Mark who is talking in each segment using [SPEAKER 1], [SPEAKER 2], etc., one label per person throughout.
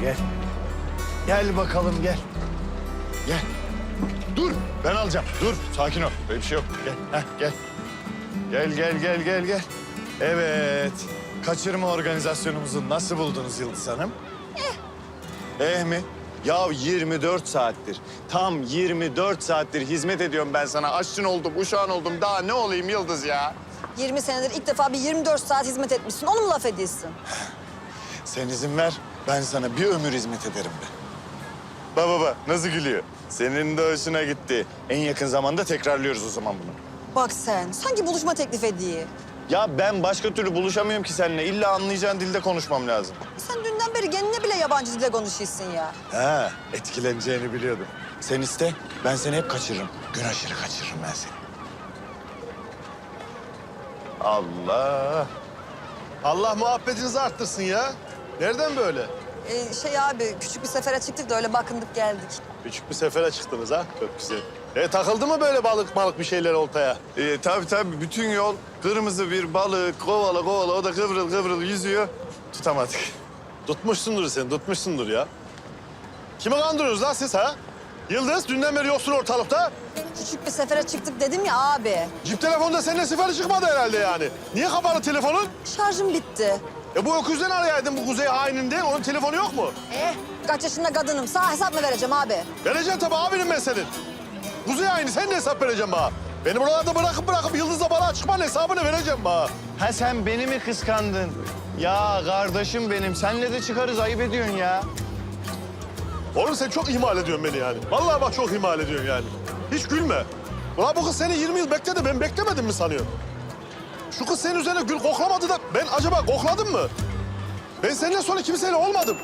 [SPEAKER 1] gel. Gel bakalım gel. Gel. Dur ben alacağım. Dur sakin ol. Böyle bir şey yok. Gel. Heh, gel. Gel. Evet. Kaçırma organizasyonumuzu nasıl buldunuz Yıldız Hanım? Mi? Ya 24 saattir, tam 24 saattir hizmet ediyorum ben sana. Aşçın oldum, uşağın oldum. Daha ne olayım Yıldız ya?
[SPEAKER 2] 20 senedir ilk defa bir 24 saat hizmet etmişsin. Onu mu laf ediyorsun?
[SPEAKER 1] Sen izin ver, ben sana bir ömür hizmet ederim be. Baba, nasıl gülüyor? Senin de hoşuna gitti. En yakın zamanda tekrarlıyoruz o zaman bunu.
[SPEAKER 2] Bak sen, sanki buluşma teklif ediyor.
[SPEAKER 1] Ya ben başka türlü buluşamıyorum ki seninle. İlla anlayacağın dilde konuşmam lazım.
[SPEAKER 2] Sen dünden beri kendine bile yabancı dilde konuşuyorsun ya.
[SPEAKER 1] Ha, etkileneceğini biliyordum. Sen iste, ben seni hep kaçırırım. Gün aşırı kaçırırım ben seni. Allah.
[SPEAKER 3] Allah muhabbetinizi arttırsın ya. Nereden böyle?
[SPEAKER 2] Abi, küçük bir sefere çıktık da öyle bakındık geldik.
[SPEAKER 3] Küçük bir sefere çıktınız ha. Çok güzel. Takıldı mı böyle balık bir şeyler oltaya?
[SPEAKER 1] Tabii bütün yol kırmızı bir balık kovala o da kıvrıl yüzüyor. Tutamadık.
[SPEAKER 3] Tutmuşsundur sen, tutmuşsundur ya. Kimi kandırıyorsunuz lan siz ha? Yıldız, dünden beri yoksun ortalıkta.
[SPEAKER 2] Küçük bir sefere çıktık dedim ya abi.
[SPEAKER 3] Cip telefonda seninle seferi çıkmadı herhalde yani. Niye kapalı telefonun?
[SPEAKER 2] Şarjım bitti.
[SPEAKER 3] Bu öküzden arayaydın bu kuzey haininde. Onun telefonu yok mu?
[SPEAKER 2] Kaç yaşında kadınım. Sana hesap mı vereceğim abi?
[SPEAKER 3] Vereceğim tabii abinim ben senin. Kuzey haini sen de hesap vereceğim bana. Beni buralarda bırakıp Yıldız'la balığa çıkmanın hesabını vereceğim bana.
[SPEAKER 1] Ha sen beni mi kıskandın? Ya kardeşim benim, senle de çıkarız ayıp ediyorsun ya.
[SPEAKER 3] Oğlum sen çok ihmal ediyorsun beni yani. Vallahi bak çok ihmal ediyorsun yani. Hiç gülme. Ulan bu kız seni 20 yıl bekledi, ben beklemedim mi sanıyorsun? Şu kız senin üzerine gül koklamadı da ben acaba kokladım mı? Ben seninle sonra kimseyle olmadım.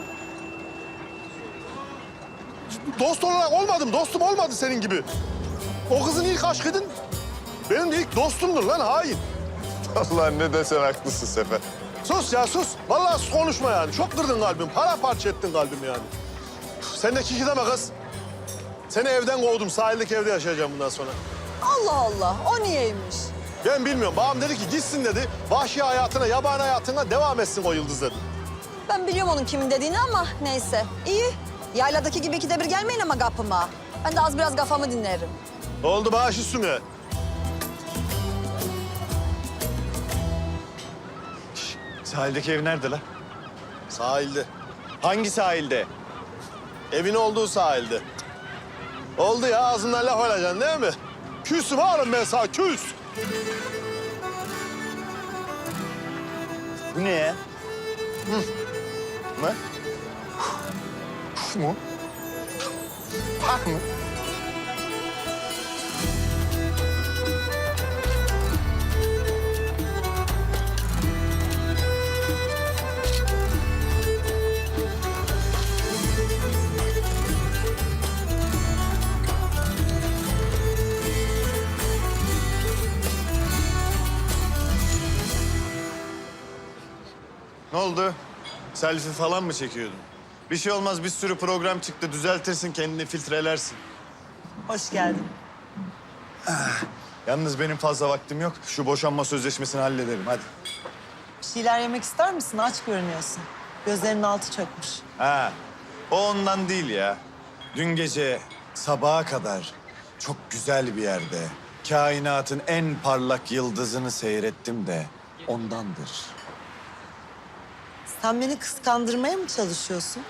[SPEAKER 3] Dost olarak olmadım, dostum olmadı senin gibi. O kızın ilk aşkıydın, benim de ilk dostumdur lan hain.
[SPEAKER 1] Allah ne desen haklısın Sefer.
[SPEAKER 3] Sus ya sus. Vallahi sus konuşma yani. Çok kırdın kalbim, paramparça ettin kalbim yani. Sen de kiki deme kız. Seni evden kovdum, sahildeki evde yaşayacağım bundan sonra.
[SPEAKER 2] Allah Allah, o niyeymiş?
[SPEAKER 3] Ben bilmiyorum. Babam dedi ki gitsin dedi. Vahşi hayatına, yabani hayatına devam etsin o Yıldız dedi.
[SPEAKER 2] Ben biliyorum onun kimin dediğini ama neyse. İyi. Yayladaki gibi ikide bir gelmeyin ama kapıma. Ben de az biraz kafamı dinlerim.
[SPEAKER 3] Ne oldu bağış üstüme?
[SPEAKER 1] Sahildeki ev nerede lan?
[SPEAKER 3] Sahilde.
[SPEAKER 1] Hangi sahilde?
[SPEAKER 3] Evin olduğu sahilde. Oldu ya ağzından laf alacaksın değil mi? Küsüm oğlum ben sana küs.
[SPEAKER 1] Bu ne ya? Ne? Mu? Pak mı? Ne oldu? Selfie falan mı çekiyordun? Bir şey olmaz, bir sürü program çıktı. Düzeltirsin, kendini filtrelersin.
[SPEAKER 4] Hoş geldin.
[SPEAKER 1] Yalnız benim fazla vaktim yok. Şu boşanma sözleşmesini halledelim, hadi.
[SPEAKER 4] Bir şeyler yemek ister misin? Aç görünüyorsun. Gözlerinin altı çökmüş.
[SPEAKER 1] Ha, o ondan değil ya. Dün gece sabaha kadar çok güzel bir yerde kainatın en parlak yıldızını seyrettim de ondandır.
[SPEAKER 4] Sen beni kıskandırmaya mı çalışıyorsun?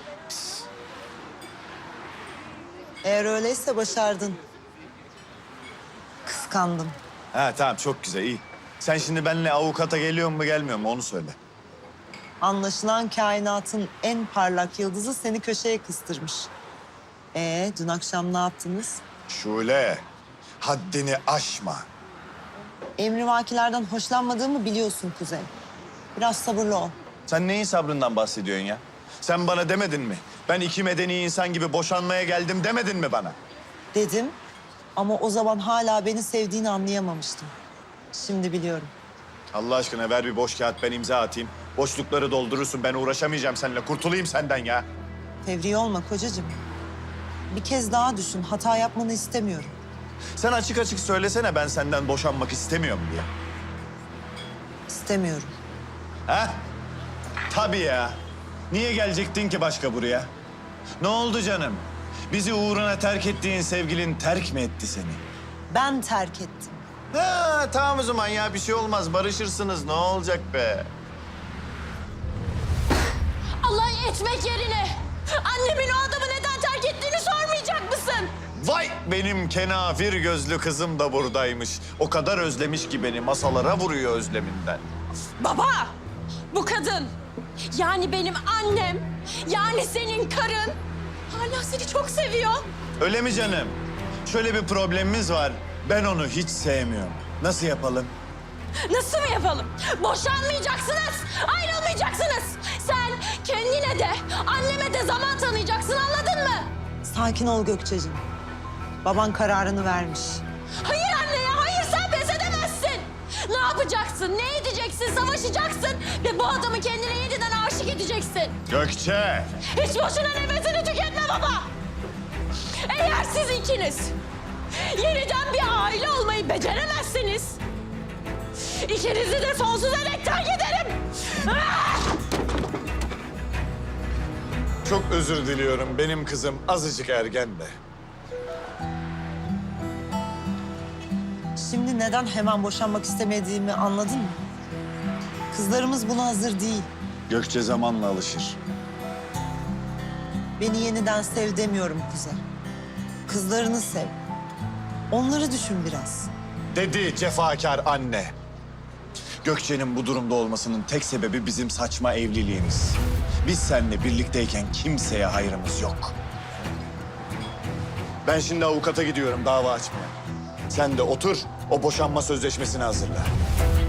[SPEAKER 4] Eğer öyleyse başardın. Kıskandım.
[SPEAKER 1] Ha tamam, çok güzel, iyi. Sen şimdi benimle avukata geliyor mu gelmiyor mu onu söyle.
[SPEAKER 4] Anlaşılan kainatın en parlak yıldızı seni köşeye kıstırmış. Dün akşam ne yaptınız?
[SPEAKER 1] Şule, haddini aşma.
[SPEAKER 4] Emrivakilerden hoşlanmadığımı biliyorsun Kuzey. Biraz sabırlı ol.
[SPEAKER 1] Sen neyin sabrından bahsediyorsun ya? Sen bana demedin mi? Ben iki medeni insan gibi boşanmaya geldim demedin mi bana?
[SPEAKER 4] Dedim ama o zaman hala beni sevdiğini anlayamamıştım. Şimdi biliyorum.
[SPEAKER 1] Allah aşkına ver bir boş kağıt, ben imza atayım. Boşlukları doldurursun, ben uğraşamayacağım seninle. Kurtulayım senden ya.
[SPEAKER 4] Fevri olma kocacığım. Bir kez daha düşün. Hata yapmanı istemiyorum.
[SPEAKER 1] Sen açık açık söylesene, ben senden boşanmak istemiyorum diye.
[SPEAKER 4] İstemiyorum.
[SPEAKER 1] Ha? Tabii ya. Niye gelecektin ki başka buraya? Ne oldu canım? Bizi uğruna terk ettiğin sevgilin terk mi etti seni?
[SPEAKER 4] Ben terk ettim.
[SPEAKER 1] Ha, tamam o zaman ya bir şey olmaz. Barışırsınız ne olacak be?
[SPEAKER 5] Alay etmek yerine annemin o adamı neden terk ettiğini sormayacak mısın?
[SPEAKER 1] Vay benim kenafir gözlü kızım da buradaymış. O kadar özlemiş ki beni masalara vuruyor özleminden.
[SPEAKER 5] Baba, bu kadın yani benim annem, yani senin karın hala seni çok seviyor.
[SPEAKER 1] Öyle mi canım? Şöyle bir problemimiz var. Ben onu hiç sevmiyorum. Nasıl yapalım?
[SPEAKER 5] Nasıl mı yapalım? Boşanmayacaksınız, ayrılmayacaksınız. Sen kendine de, anneme de zaman tanıyacaksın, anladın mı?
[SPEAKER 4] Sakin ol Gökçe'cim. Baban kararını vermiş.
[SPEAKER 5] Hayır anne ya, hayır sen pes edemezsin. Ne yapacaksın, ne edeceksin, savaşacaksın ve bu adamı kendine yeniden aşık edeceksin.
[SPEAKER 1] Gökçe!
[SPEAKER 5] Hiç boşuna nefesini tüketme baba. Eğer siz ikiniz yeniden bir aile olmayı beceremezseniz ikinizi de sonsuza dek terk ederim. Ah!
[SPEAKER 1] Çok özür diliyorum. Benim kızım azıcık ergen de.
[SPEAKER 4] Şimdi neden hemen boşanmak istemediğimi anladın mı? Kızlarımız buna hazır değil.
[SPEAKER 1] Gökçe zamanla alışır.
[SPEAKER 4] Beni yeniden sev demiyorum Kuzey. Kızlarını sev. Onları düşün biraz.
[SPEAKER 1] Dedi cefakar anne. Gökçe'nin bu durumda olmasının tek sebebi bizim saçma evliliğimiz. Biz seninle birlikteyken kimseye hayrımız yok. Ben şimdi avukata gidiyorum dava açmaya. Sen de otur, o boşanma sözleşmesini hazırla.